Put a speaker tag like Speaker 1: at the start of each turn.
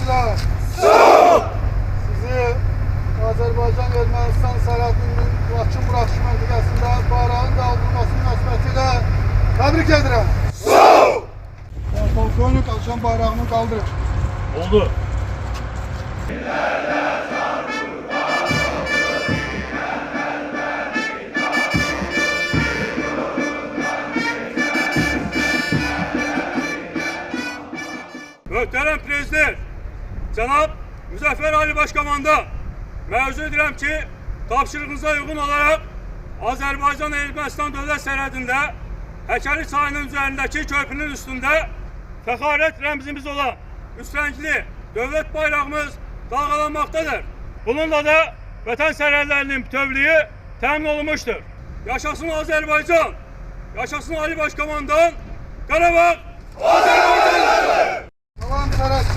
Speaker 1: Ermeniler.
Speaker 2: Sağ ol!
Speaker 1: Sizi Azerbaycan-Ermənistan sərhədinin Laçın buraxış məntəqəsində bayrağın qaldırılması münasibətilə təbrik edirəm.
Speaker 2: Sağ ol!
Speaker 1: Polkovnik Alşan bayrağını qaldırır.
Speaker 2: Oldu. Möhtərəm Prezident, Cənab Müzəffər Ali Başkomandan, məruz edirəm ki, tapşırığınıza uyğun olaraq Azərbaycan-Ermənistan dövlət sərhədində Həkəri çayının üzərindəki körpünün üstündə fəxarət rəmzimiz olan üstəngli dövlət bayrağımız dalğalanmaqdadır. Bununla da vətən sərhədlərinin bütövlüyü təmin olunmuştur. Yaşasın Azərbaycan, yaşasın Ali Başkomandan, Qarabağ Azərbaycanlıdır!
Speaker 1: Salam sərhəd.